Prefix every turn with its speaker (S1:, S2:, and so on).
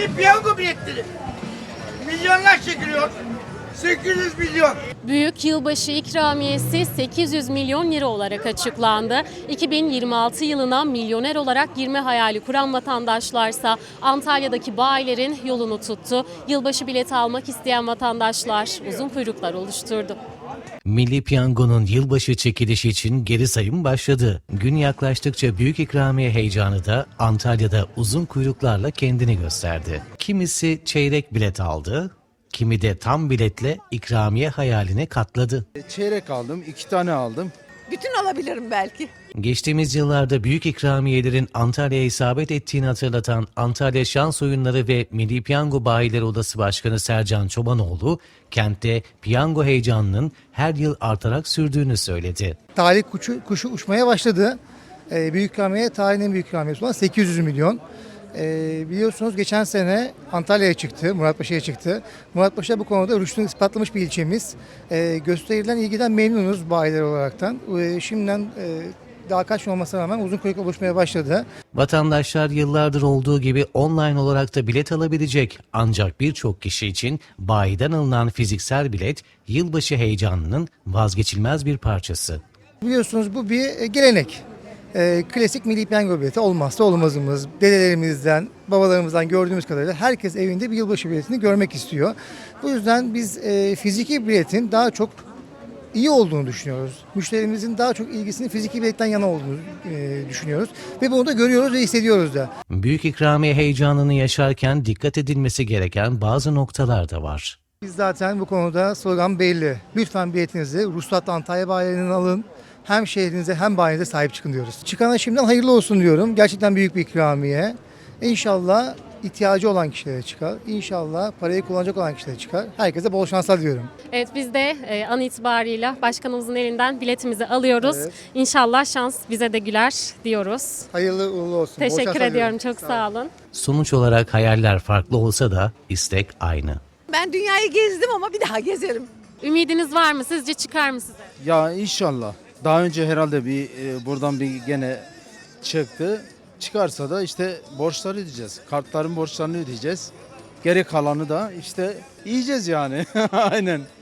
S1: Milli piyango biletleri. Milyonlar çekiliyor. 800 milyon.
S2: Büyük yılbaşı ikramiyesi 800 milyon lira olarak açıklandı. 2026 yılına milyoner olarak girme hayali kuran vatandaşlarsa Antalya'daki bayilerin yolunu tuttu. Yılbaşı bileti almak isteyen vatandaşlar uzun kuyruklar oluşturdu.
S3: Milli Piyango'nun yılbaşı çekilişi için geri sayım başladı. Gün yaklaştıkça büyük ikramiye heyecanı da Antalya'da uzun kuyruklarla kendini gösterdi. Kimisi çeyrek bilet aldı, kimi de tam biletle ikramiye hayaline katladı.
S4: Çeyrek aldım, 2 tane aldım.
S5: Bütün alabilirim belki.
S3: Geçtiğimiz yıllarda büyük ikramiyelerin Antalya'ya isabet ettiğini hatırlatan Antalya Şans Oyunları ve Milli Piyango Bayileri Odası Başkanı Sercan Çobanoğlu, kentte piyango heyecanının her yıl artarak sürdüğünü söyledi.
S6: Talih kuşu uçmaya başladı. Büyük ikramiye tarihin en büyük ikramiyesi olan 800 milyon. Biliyorsunuz geçen sene Antalya'ya çıktı, Muratpaşa'ya çıktı. Muratpaşa bu konuda rüştünü ispatlamış bir ilçemiz. Gösterilen ilgiden memnunuz bayiler olaraktan. Şimdiden daha kaç olmasına rağmen uzun kuyruk oluşmaya başladı.
S3: Vatandaşlar yıllardır olduğu gibi online olarak da bilet alabilecek. Ancak birçok kişi için bayiden alınan fiziksel bilet yılbaşı heyecanının vazgeçilmez bir parçası.
S6: Biliyorsunuz bu bir gelenek. Klasik milli piyango bileti olmazsa olmazımız. Dedelerimizden, babalarımızdan gördüğümüz kadarıyla herkes evinde bir yılbaşı biletini görmek istiyor. Bu yüzden biz fiziki biletin daha çok iyi olduğunu düşünüyoruz. Müşterimizin daha çok ilgisinin fiziki biletten yana olduğunu düşünüyoruz. Ve bunu da görüyoruz ve hissediyoruz da.
S3: Büyük ikramiye heyecanını yaşarken dikkat edilmesi gereken bazı noktalar da var.
S6: Biz zaten bu konuda slogan belli. Lütfen biletinizi ruhsatlı Antalya bayilerinden alın. Hem şehrinize hem bayinize sahip çıkın diyoruz. Çıkana şimdiden hayırlı olsun diyorum. Gerçekten büyük bir ikramiye. İnşallah ihtiyacı olan kişilere çıkar. İnşallah parayı kullanacak olan kişilere çıkar. Herkese bol şanslar diliyorum.
S2: Evet, biz de an itibarıyla başkanımızın elinden biletimizi alıyoruz.
S6: Evet.
S2: İnşallah şans bize de güler diyoruz.
S6: Hayırlı uğurlu olsun. Bol
S2: Teşekkür
S6: şanslar
S2: ediyorum,
S6: diliyorum.
S2: çok sağ olun.
S3: Sonuç olarak hayaller farklı olsa da istek aynı.
S5: Ben dünyayı gezdim ama bir daha gezerim.
S2: Ümidiniz var mı? Sizce çıkar mı size?
S4: Ya inşallah. Daha önce herhalde buradan bir gene çıktı. Çıkarsa da işte borçları ödeyeceğiz. Kartların borçlarını ödeyeceğiz. Geri kalanı da işte yiyeceğiz yani. Aynen.